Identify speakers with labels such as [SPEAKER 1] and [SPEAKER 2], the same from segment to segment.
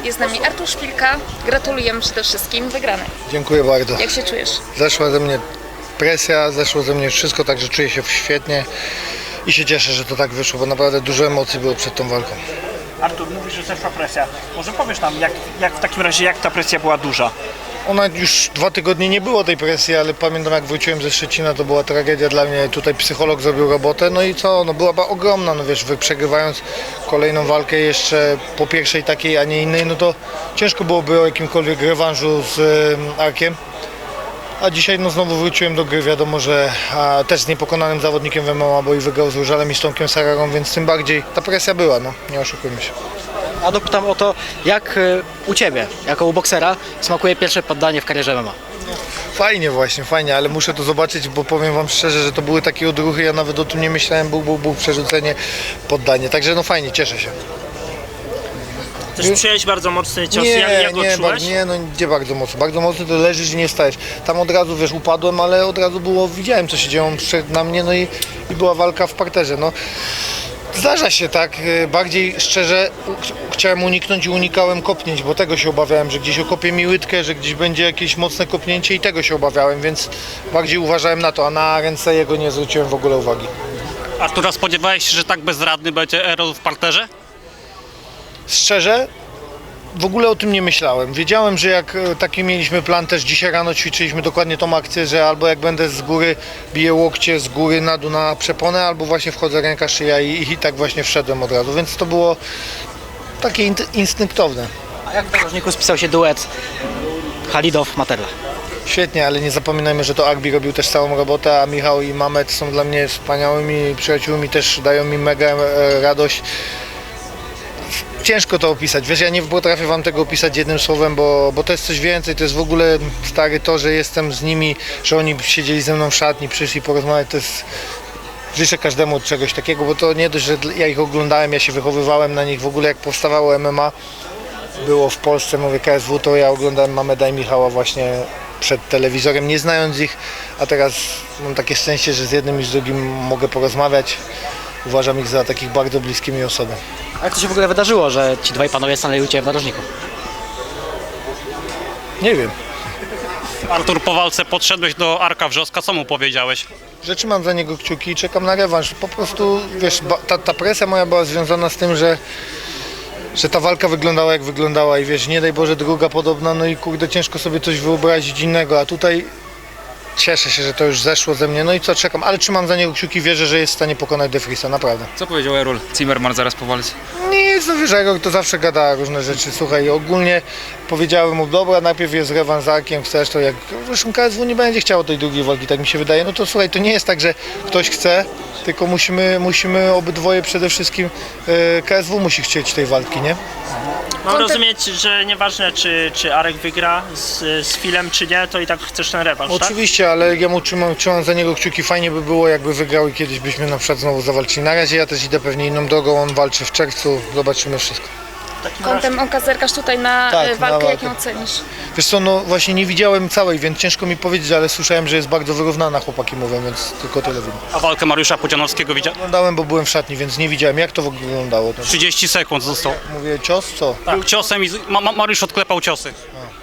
[SPEAKER 1] Jest z nami Artur Szpilka. Gratulujemy przede wszystkim wygranej.
[SPEAKER 2] Dziękuję bardzo.
[SPEAKER 1] Jak się czujesz?
[SPEAKER 2] Zeszła ze mnie presja, zeszło ze mnie wszystko, także czuję się świetnie i się cieszę, że to tak wyszło, bo naprawdę dużo emocji było przed tą walką.
[SPEAKER 3] Artur, mówisz, że zeszła presja. Może powiesz nam, jak w takim razie, jak ta presja była duża?
[SPEAKER 2] Ona już 2 tygodnie nie było tej presji, ale pamiętam jak wróciłem ze Szczecina, to była tragedia dla mnie. Tutaj psycholog zrobił robotę, no i co, no była ogromna, no wiesz, przegrywając kolejną walkę jeszcze po pierwszej takiej, a nie innej, no to ciężko byłoby o jakimkolwiek rewanżu z Arkiem. A dzisiaj no znowu wróciłem do gry, wiadomo, że też z niepokonanym zawodnikiem w MMA, bo i wygrał z Różalem i z Tomkiem Sararą, więc tym bardziej ta presja była, no nie oszukujmy się.
[SPEAKER 4] A dopytam o to, jak u Ciebie, jako u boksera, smakuje pierwsze poddanie w karierze MMA?
[SPEAKER 2] Fajnie właśnie, fajnie, ale muszę to zobaczyć, bo powiem wam szczerze, że to były takie odruchy, ja nawet o tym nie myślałem, był przerzucenie, poddanie, także no fajnie, cieszę się.
[SPEAKER 3] Też przyjąłeś bardzo mocny cios, jak go czułeś?
[SPEAKER 2] No gdzie bardzo mocno to leżysz i nie stajesz. Tam od razu, wiesz, upadłem, ale od razu widziałem co się dzieje, on przyszedł na mnie, no i była walka w parterze, no. Zdarza się tak, bardziej szczerze chciałem uniknąć i unikałem kopnięć, bo tego się obawiałem, że gdzieś okopie mi łydkę, że gdzieś będzie jakieś mocne kopnięcie i tego się obawiałem, więc bardziej uważałem na to, a na ręce jego nie zwróciłem w ogóle uwagi.
[SPEAKER 5] Artura, spodziewałeś się, że tak bezradny będzie Errol w parterze?
[SPEAKER 2] Szczerze, w ogóle o tym nie myślałem. Wiedziałem, że jak taki mieliśmy plan, też dzisiaj rano ćwiczyliśmy dokładnie tą akcję, że albo jak będę z góry biję łokcie z góry na dół na przeponę, albo właśnie wchodzę ręka, szyja i tak właśnie wszedłem od razu, więc to było takie instynktowne.
[SPEAKER 4] A jak w narożniku spisał się duet Halidow-Materla?
[SPEAKER 2] Świetnie, ale nie zapominajmy, że to Agbi robił też całą robotę, a Michał i Mamet są dla mnie wspaniałymi przyjaciółmi, też dają mi mega radość. Ciężko to opisać, wiesz, ja nie potrafię wam tego opisać jednym słowem, bo to jest coś więcej, to jest w ogóle stary to, że jestem z nimi, że oni siedzieli ze mną w szatni, przyszli porozmawiać, to jest... Życzę każdemu czegoś takiego, bo to nie dość, że ja ich oglądałem, ja się wychowywałem na nich, w ogóle jak powstawało MMA, było w Polsce, mówię KSW, to ja oglądałem Mameda i Michała właśnie przed telewizorem, nie znając ich, a teraz mam takie szczęście, że z jednym i z drugim mogę porozmawiać. Uważam ich za takich bardzo bliskimi osoby.
[SPEAKER 4] A jak to się w ogóle wydarzyło, że ci dwaj panowie stanęli u Ciebie w narożniku?
[SPEAKER 2] Nie wiem,
[SPEAKER 5] Artur, po walce podszedłeś do Arka Wrzoska, co mu powiedziałeś?
[SPEAKER 2] że trzymam za niego kciuki i czekam na rewanż. Po prostu, wiesz, ta presja moja była związana z tym, że ta walka wyglądała jak wyglądała i wiesz, nie daj Boże druga podobna, no i kurde ciężko sobie coś wyobrazić innego, a tutaj cieszę się, że to już zeszło ze mnie, no i co, czekam, ale trzymam za niego kciuki, wierzę, że jest w stanie pokonać De Vriesa, naprawdę.
[SPEAKER 6] Co powiedział Errol Zimmerman zaraz po walce?
[SPEAKER 2] Nic, no wiesz, Errol to zawsze gada różne rzeczy, słuchaj, ogólnie powiedziałem mu, dobra, najpierw jest rewanż z Arkiem, chcesz to jak, zresztą KSW nie będzie chciało tej drugiej walki, tak mi się wydaje, no to słuchaj, to nie jest tak, że ktoś chce, tylko musimy obydwoje przede wszystkim, KSW musi chcieć tej walki, nie?
[SPEAKER 3] Mam rozumieć, że nieważne czy Arek wygra z Filem czy nie, to i tak chcesz ten rewanż, tak?
[SPEAKER 2] Oczywiście, ale ja mu trzymam za niego kciuki, fajnie by było jakby wygrał i kiedyś byśmy na przykład znowu zawalczyli. Na razie ja też idę pewnie inną drogą, on walczy w czerwcu, zobaczymy wszystko.
[SPEAKER 1] Kątem oka zerkasz tutaj na
[SPEAKER 2] Tak, na
[SPEAKER 1] walkę, jak
[SPEAKER 2] walkę.
[SPEAKER 1] ją ocenisz?
[SPEAKER 2] Wiesz co, no właśnie nie widziałem całej, więc ciężko mi powiedzieć, ale słyszałem, że jest bardzo wyrównana, chłopaki mówią, więc tylko tyle wiem.
[SPEAKER 5] A walkę Mariusza Pudzianowskiego widział?
[SPEAKER 2] Oglądałem, bo byłem w szatni, więc nie widziałem, jak to w ogóle wyglądało.
[SPEAKER 5] 30 sekund został.
[SPEAKER 2] Mówię, cios, co?
[SPEAKER 5] Był ciosem i Mariusz odklepał ciosy.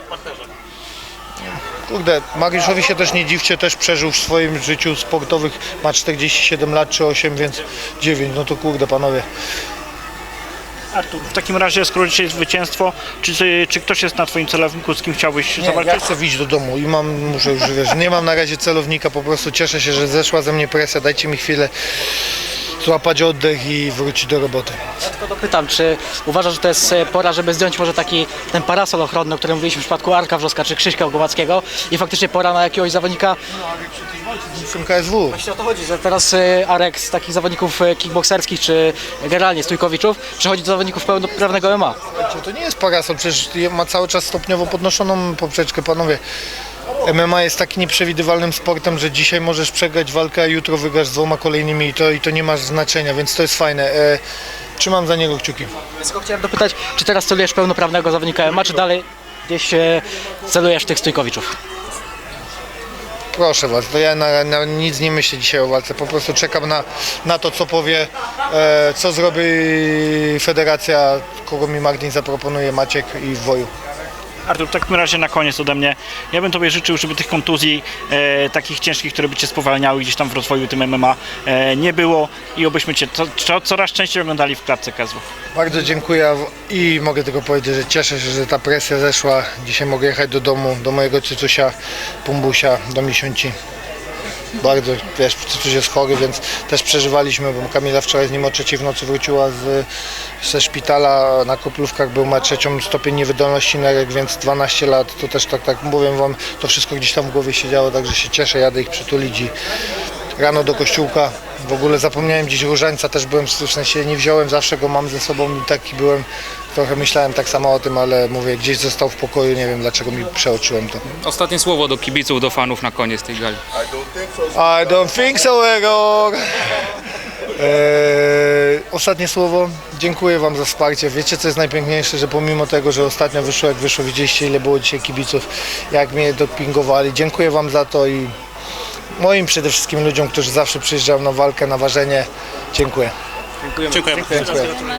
[SPEAKER 2] Kurde, Mariuszowi się też nie dziwcie, też przeżył w swoim życiu sportowych, ma 47 lat czy 8, więc 9, no to kurde panowie.
[SPEAKER 3] Artur, w takim razie, skoro dzisiaj jest zwycięstwo, czy ktoś jest na Twoim celowniku, z kim chciałbyś
[SPEAKER 2] Nie,
[SPEAKER 3] zawalczyć?
[SPEAKER 2] ja chcę wyjść do domu i muszę już, wiesz, nie mam na razie celownika, po prostu cieszę się, że zeszła ze mnie presja, dajcie mi chwilę złapać oddech i wrócić do roboty.
[SPEAKER 4] Ja tylko dopytam, czy uważasz, że to jest pora, żeby zdjąć może ten parasol ochronny, o którym mówiliśmy w przypadku Arka Wrzoska czy Krzyśka Głowackiego i faktycznie pora na jakiegoś zawodnika?
[SPEAKER 2] Z KSW.
[SPEAKER 4] Właśnie o to chodzi, że teraz Arek z takich zawodników kickbokserskich czy generalnie stójkowiczów przechodzi do zawodników pełnoprawnego MMA.
[SPEAKER 2] To nie jest parasol, przecież ma cały czas stopniowo podnoszoną poprzeczkę, panowie. MMA jest tak nieprzewidywalnym sportem, że dzisiaj możesz przegrać walkę, a jutro wygrasz z 2 kolejnymi i to nie ma znaczenia, więc to jest fajne. Trzymam za niego kciuki.
[SPEAKER 4] Tylko chciałem dopytać, czy teraz celujesz pełnoprawnego zawodnika MMA, czy dalej gdzieś celujesz tych stójkowiczów?
[SPEAKER 2] Proszę was, to ja na nic nie myślę dzisiaj o walce, po prostu czekam na to, co powie, co zrobi federacja, kogo mi Magdin zaproponuje, Maciek i Woju.
[SPEAKER 3] Artur, w takim razie na koniec ode mnie. Ja bym Tobie życzył, żeby tych kontuzji takich ciężkich, które by Cię spowalniały gdzieś tam w rozwoju tym MMA nie było i obyśmy Cię coraz częściej oglądali w klatce KSW.
[SPEAKER 2] Bardzo dziękuję i mogę tylko powiedzieć, że cieszę się, że ta presja zeszła. Dzisiaj mogę jechać do domu, do mojego cycusia, Pumbusia, do Misiunci. Bardzo, wiesz, cycuś jest chory, więc też przeżywaliśmy, bo Kamila wczoraj z nim o 3 w nocy wróciła ze szpitala, na Koplówkach był, ma 3. stopień niewydolności nerek, więc 12 lat, to też tak mówię wam, to wszystko gdzieś tam w głowie się działo, także się cieszę, jadę ich przytulić i rano do kościółka. W ogóle zapomniałem dziś różańca, też byłem, w sensie nie wziąłem, zawsze go mam ze sobą i taki byłem, trochę myślałem tak samo o tym, ale mówię, gdzieś został w pokoju, nie wiem dlaczego mi przeoczyłem to.
[SPEAKER 6] Ostatnie słowo do kibiców, do fanów na koniec tej gali.
[SPEAKER 2] I don't think so, Egor! Ostatnie słowo, dziękuję wam za wsparcie. Wiecie co jest najpiękniejsze, że pomimo tego, że ostatnio wyszło jak wyszło, widzieliście ile było dzisiaj kibiców, jak mnie dopingowali. Dziękuję wam za to i moim przede wszystkim ludziom, którzy zawsze przyjeżdżają na walkę, na ważenie. Dziękuję.
[SPEAKER 5] Dziękuję.
[SPEAKER 2] Dziękuję.